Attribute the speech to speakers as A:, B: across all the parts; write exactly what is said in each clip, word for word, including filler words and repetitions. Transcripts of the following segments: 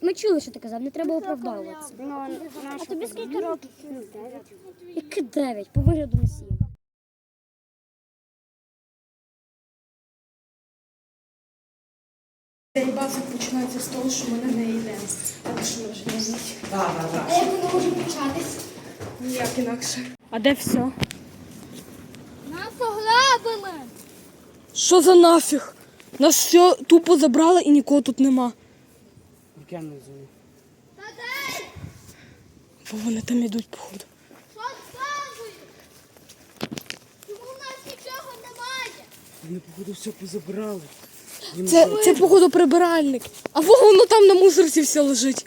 A: ми чули, що ти казав, не треба оправдовуватися.
B: А тобі скільки років?
A: Які дев'ять, по вигляду не сім.
C: Цей базик починається з того, що ми на неї йдемо. Так що ми вже не знають.
B: Так, так, так. А як воно може початись?
C: Ніяк інакше. А де все?
B: Нас ограбили!
C: Що за нафіг? Нас все тупо забрали і нікого тут нема.
B: Я не знаю.
C: Бо вони там йдуть, походу.
B: Що сталося? Чому в нас нічого немає?
D: Вони, походу, все позабрали.
C: Це, це походу, прибиральник. А во, воно там на мусорці все лежить.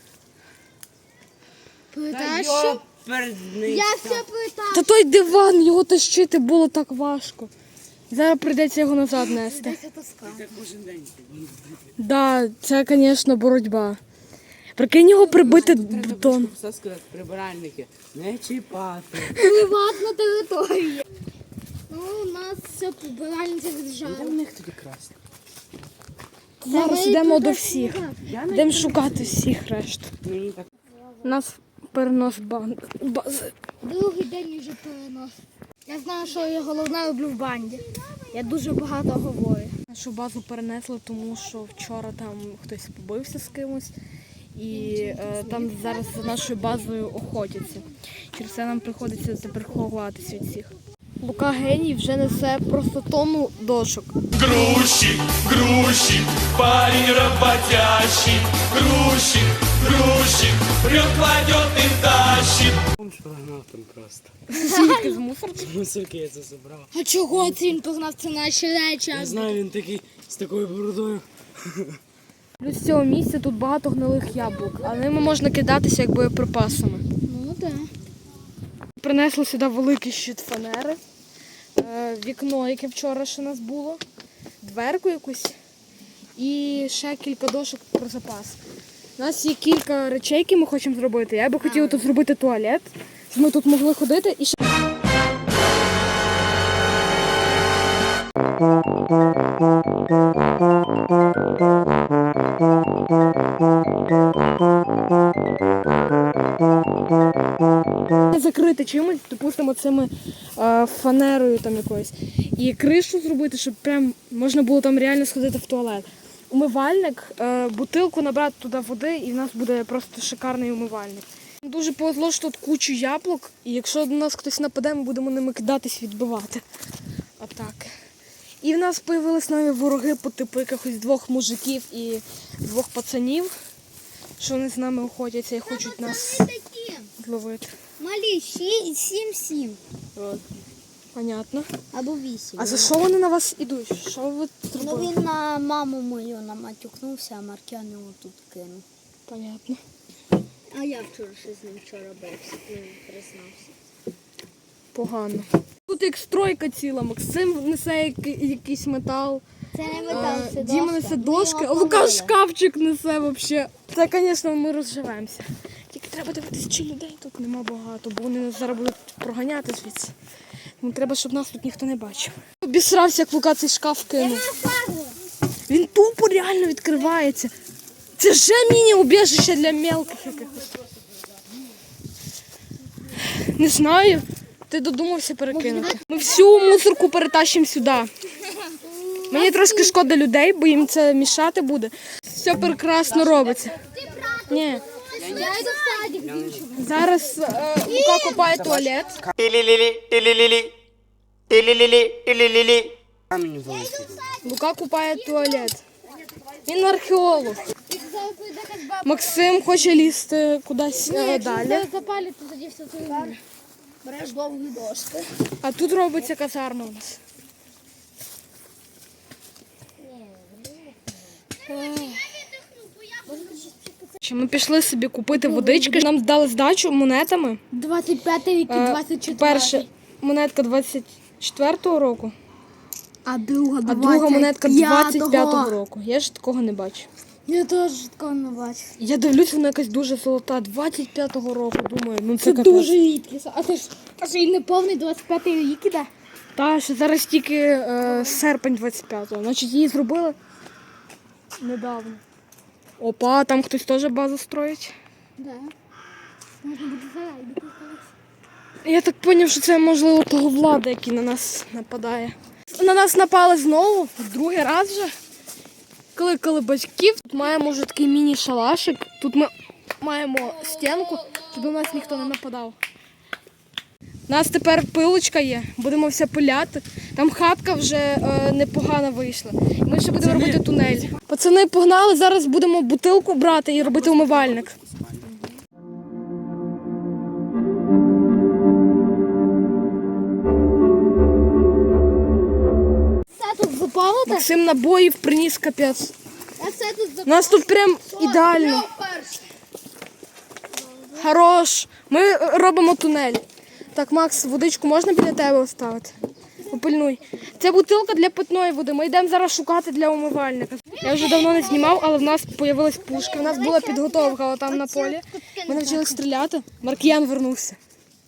B: Питаєш,
D: що? Передний.
B: Я все питаю.
C: Та той диван, його тащити було так важко. Зараз прийдеться його назад нести.
D: Так кожен день.
C: Да, це, звісно, боротьба. Прикинь його прибити бетон.
D: Все сказати, прибиральники, не чіпати.
B: Приватна територія. Ну, у нас все прибиральниця
D: Де
B: держава.
D: в них тоді красти?
C: Зараз йдемо до всіх.
D: Я не
C: Йдемо шукати всіх решту.
D: мені так.
C: У нас перенос бан- бази.
B: Другий день вже перенос. Я знаю, що я головне роблю в банді. Я дуже багато говорю.
C: Нашу базу перенесли, тому що вчора там хтось побився з кимось. І е, там зараз за нашою базою охотяться. Через це нам приходиться тепер ховатися від всіх. Лука геній вже несе просто тонну дошок.
E: Грузчик, грузчик, парень работящий. Грузчик, грузчик, прет, кладет и тащит.
D: Бомж прогнав там просто.
C: Звідки з мусорки?
D: Мусорки я це забрав.
B: А чого це він погнав? Це наші речі.
D: Я знаю, він такий з такою бородою.
C: Плюс з цього місця тут багато гнилих яблук, а ними можна кидатися як боєприпасами.
B: Ну так.
C: Принесли сюди великий щит фанери, е, вікно, яке вчора ще у нас було, дверку якусь і ще кілька дошок про запас. У нас є кілька речей, які ми хочемо зробити. Я би хотіла тут зробити туалет, щоб ми тут могли ходити і ще. Закрити чимось, допустимо, цими е, фанерою там якоюсь. І кришу зробити, щоб прям можна було там реально сходити в туалет. Умивальник, е, бутилку набрати туди води, і в нас буде просто шикарний умивальник. Дуже повезло, що тут кучу яблук, і якщо до нас хтось нападе, ми будемо ними кидатись, відбивати. Отак. І в нас з'явились нові вороги по типу якихось двох мужиків і двох пацанів, що вони з нами охотяться і хочуть нас
B: Такі.
C: зловити.
B: Малі, сім сім.
C: От. Понятно.
B: Або вісім.
C: А за що вони на вас ідуть? Що ви
B: Ну
C: зробили?
B: він на маму мою наматюкнувся, а Маркян його тут кинув.
C: Понятно.
B: А я вчора ще з ним вчора бився, він признався.
C: Погано. Тут як стройка ціла, Максим несе який- якийсь метал,
B: Це не
C: а,
B: метал, це
C: Діма
B: дошка.
C: несе
B: Ми
C: дошки, а
B: його
C: Лука
B: помили.
C: шкафчик несе взагалі. Це, звісно, ми розживемося. Тільки треба дивитися, чи людей тут нема багато, бо вони нас зараз будуть проганяти звідси. Тому треба, щоб нас тут ніхто не бачив. Обісрався, як Лука цей шкаф кинув. Він тупо реально відкривається. Це вже міні-убіжище для мелких якихось. Не знаю. Ти додумався перекинути. Ми всю мусорку перетащимо сюди. Мені трошки шкода людей, бо їм це мішати буде. Все прекрасно робиться. Ні.
B: Я йду в садик з іншого.
C: Зараз е, Лука копає туалет.
D: Тилі-лілі, тилі-лілі. Тилі-лілі, тилі-лілі. Камінь залишили.
C: Лука купає туалет. Він археолог. Максим хоче лізти кудись е, далі.
B: Запалити, тоді все це. Береш довгі дошки.
C: А тут робиться казарма у нас. Ми пішли собі купити водички. Нам дали здачу монетами.
B: двадцять п'ятий рік і
C: Е,
B: двадцять четвертий.
C: Перша монетка двадцять четвертого року,
B: А друга
C: а друга монетка двадцять п'ятого року. Я ж такого не бачу.
B: Я теж такого не бачу.
C: Я дивлюсь, вона якась дуже золота. двадцять п'ятого року, думаю, ну це,
B: Це
C: капець.
B: дуже рідкість. А це ж а це і не повний двадцять п'ятий рік іде.
C: Та, що зараз тільки е, серпень двадцять п'ятого. Значить, її зробили недавно. Опа, там хтось теж базу строїть.
B: Да. Можна буде зарайдити колись.
C: Я так зрозумів, що це можливо того влада, який на нас нападає. На нас напали знову, другий раз вже. Кликали батьків. Тут маємо вже такий міні-шалашик. Тут ми маємо стінку, щоб до нас ніхто не нападав. У нас тепер пилочка є, будемо все пиляти. Там хатка вже е, непогано вийшла. Ми ще будемо робити тунель. Пацани погнали, зараз будемо бутилку брати і робити умивальник.
B: Це тут запалити?
C: Максим набоїв приніс капець.
B: А це тут
C: У
B: запалити?
C: нас тут прям ідеально. Хорош. Ми робимо тунель. Так, Макс, водичку можна біля тебе оставити? Попильнуй. Це бутилка для питної води. Ми йдемо зараз шукати для умивальника. Я вже давно не знімав, але в нас з'явились пушки. У нас була підготовка там на полі. Ми навчилися стріляти. Маркіян вернувся.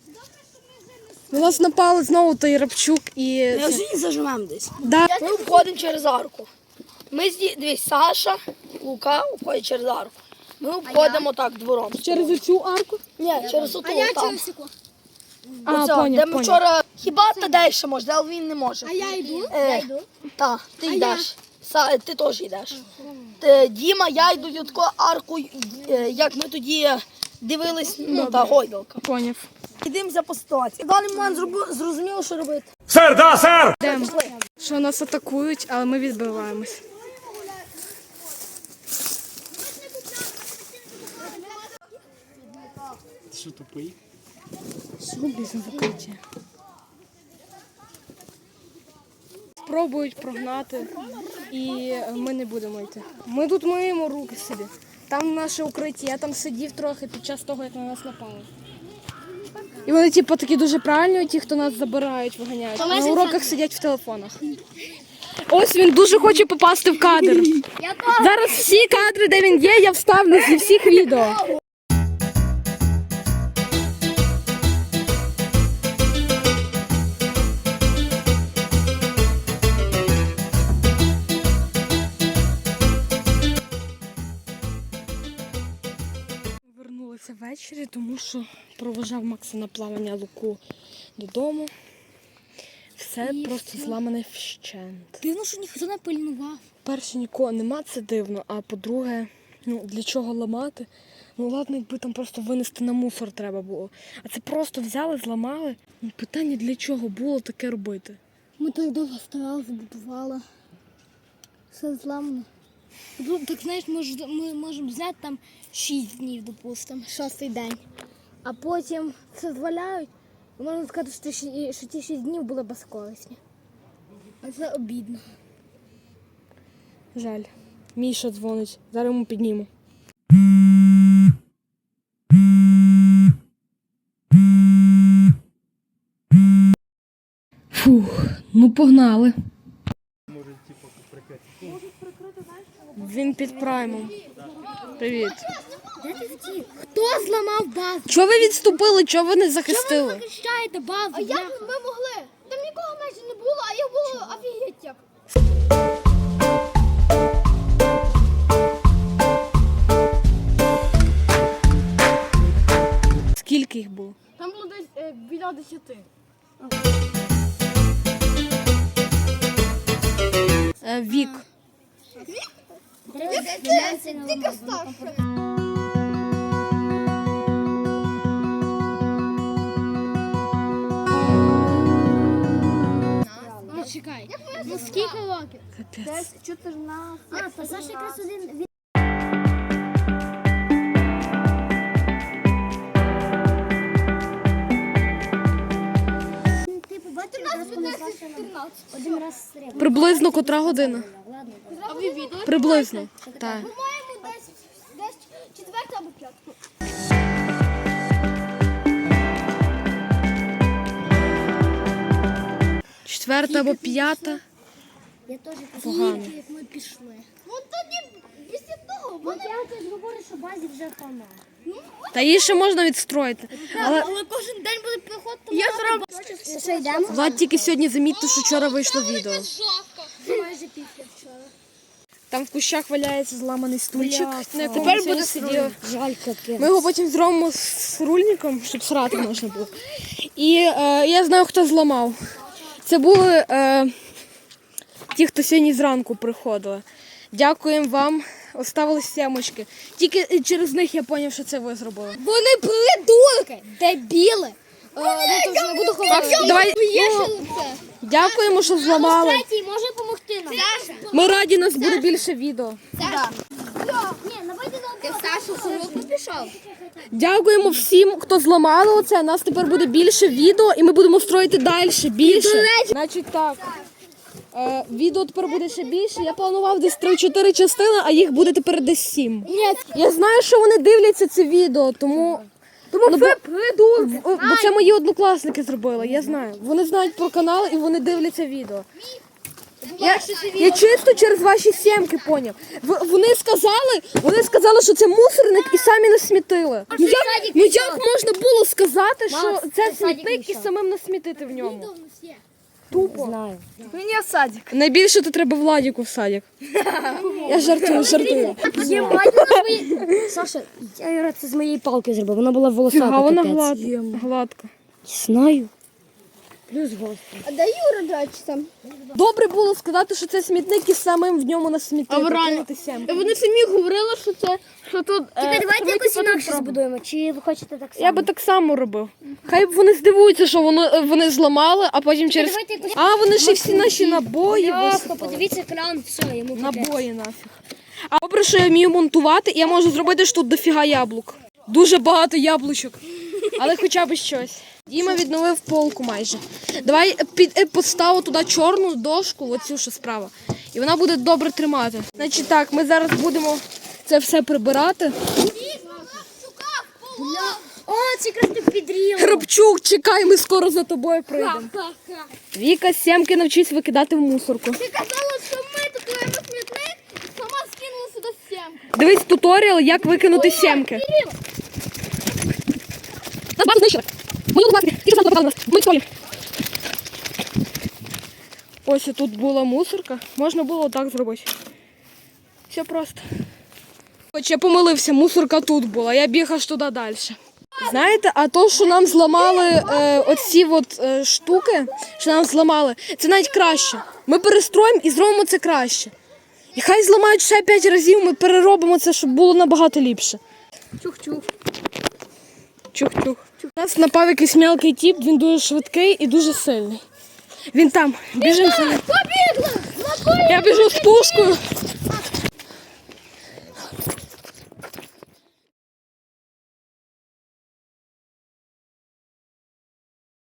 C: У нас напали знову той Рапчук і...
F: Ми вже не зажимемо десь.
C: Да.
F: Ми входимо через арку. Ми зі... Дивись, Саша, Лука входять через арку. Ми входимо так двором.
C: Через оцю арку?
F: Ні, через оту там.
C: А,
F: Оця,
C: поняв,
F: де ми
C: поняв.
F: вчора... Хіба ти далі може, але він не може.
B: А я йду?
F: Е,
B: Я йду.
F: Так, ти йдеш. Са... Ти теж йдеш. Ти, Діма, я йду від такою аркою, е, як ми тоді дивились, ну, та гойдалка.
C: Поняв.
F: Йдемося по ситуації. В даний момент зроби- зрозуміло, що робити.
C: Йдемо. Що нас атакують, але ми відбиваємось.
D: Ти що, тупий?
C: Без закриття. Спробують прогнати, і ми не будемо йти. Ми тут миємо руки собі. Там наше укриття, я там сидів трохи під час того, як на нас напали. І вони, типу, такі дуже правильні, ті, хто нас забирають, виганяють. На уроках сидять в телефонах. Ось він дуже хоче попасти в кадр. Зараз всі кадри, де він є, я вставлю зі всіх відео. Вернулися ввечері, тому що провожав Макса на плавання Луку додому. Все просто зламане вщент.
B: Дивно, що ніхто не пильнував.
C: Перше, нікого нема, це дивно. А по-друге, ну для чого ламати? Ну ладно, якби там просто винести на мусор треба було. А це просто взяли, зламали. Ну, питання, для чого було таке робити?
B: Ми так довго старали, забудували. Все зламано. Ну, так знаєш, ми, ж- ми можемо взяти там шість днів, допустимо, шостий день. А потім все зваляють. І можна сказати, що ті, ші- що ті шість днів були безкорисні. А це обідно.
C: Жаль. Міша дзвонить. Зараз йому підніму. Фух, ну погнали. Він під праймом. Привіт.
B: Хто зламав базу?
C: Чого ви відступили? Чого ви не захистили?
B: Захищаєте базу? А як ми могли? Там нікого майже не було, а я було офігеть як.
C: Скільки їх було?
B: Там було десь е, біля десяти.
C: Е, вік.
B: Тільки старше. Ну, чекай. Ну скільки років?
C: Капець.
A: А, то Саша якраз один. Ти побачив, якраз коли Саша один раз стрибнув.
C: Приблизно котра година?
A: Ладно.
B: А ви відео?
C: Приблизно. Так.
B: По-моєму, десь, десь четверта або п'ятка.
C: Четверта або п'ята.
A: Я теж
C: Погано.
B: Як ми пішли.
A: Ну тоді після того, бо я теж говорю, що базі вже хана.
C: Та її ще можна відстроїти. Але
B: Але кожен день буде приходити.
A: Я зроблю. Що йдемо?
C: Влад тільки сьогодні замітив, що вчора вийшло відео.
B: Майже після вчора.
C: Там в кущах валяється зламаний стульчик,
B: Бляха.
C: на якому
B: Тепер
C: ми сьогодні
B: буде
C: сиділи.
B: Жаль, капець.
C: Ми його потім зробимо з рульником, щоб срати можна було. І е, я знаю, хто зламав. Це були е, ті, хто сьогодні зранку приходили. Дякуємо вам. Оставили сімочки. Тільки через них я зрозумів, що це ви зробили.
B: Вони придурки, дебіли. Е, ну, то вже не буду говорити.
C: Давай, дякуємо, що зламали.
A: Третій може допомогти нам.
C: Ми раді, нас буде більше відео.
A: Ні, давайте на
B: Саша з уроку пішов?
C: Дякуємо всім, хто зламали оце. Нас тепер буде більше відео і ми будемо строїти далі, більше. Значить так. Е, відео тепер буде ще більше. Я планував десь три-чотири частини, а їх буде тепер десь сім. Я знаю, що вони дивляться це відео, тому... Тому ну, бо, бо, бо це мої однокласники зробили, я знаю. Вони знають про канал і вони дивляться відео. Я, я чисто через ваші сімки поняв. В- Вони сказали, вони сказали, що це мусорник і самі насмітили. Ну як, ну як можна було сказати, що це смітник і самим насмітити в ньому? Тупо.
B: Знаю.
C: Мені в садик. Найбільше то треба Владіку в садик. Я жартую, жартую.
B: Саша, я Юра, це з моєї палки зробив. Вона була волосата.
C: А вона
B: капець.
C: гладка. гладка.
B: Знаю. Плюс голос.
C: Добре було сказати, що це смітник і самим в ньому насмітити. кинути сімки.
B: Вони самі говорили, що це, що тут...
A: Тепер давайте якось інакше збудуємо. Чи ви хочете так само?
C: Я би так само робив. Хай вони здивуються, що воно, вони зламали, а потім через...
A: Давайте якось-
C: А, вони ще всі наші набої
A: Ясно,
C: висипали.
A: подивіться екран, все, йому
C: Набої нафіг. А добре, що я вмію монтувати, і я можу зробити ж тут дофіга яблук. Дуже багато яблучок. Але хоча б щось. Діма відновив полку майже. Давай під, е, поставимо туди чорну дошку, оцю що справа. І вона буде добре тримати. Значить так, ми зараз будемо це все прибирати.
A: О, це якраз тут підріло.
C: Храпчук, чекай, ми скоро за тобою прийдемо. Віка, сімки навчись викидати в мусорку.
B: Ти казала, що ми тут маємо смітник, сама скинула сюди сімку.
C: Дивись туторіал, як викинути сімки. Нас базу знищили. Мої однокласники, ті, що показали нас. Ми стоїмо. Ось тут була мусорка. Можна було отак зробити. Все просто. Хоч я помилився, мусорка тут була, я біг аж туди далі. Знаєте, а то, що нам зламали е, оці от, е, штуки, що нам зламали, це навіть краще. Ми перестроїмо і зробимо це краще. І хай зламають ще п'ять разів, ми переробимо це, щоб було набагато ліпше.
B: Чух-чух.
C: Чух-чух. У нас напав якийсь мелкий тіп, він дуже швидкий і дуже сильний. Він там, біжимо за ним. Я біжу з пушкою.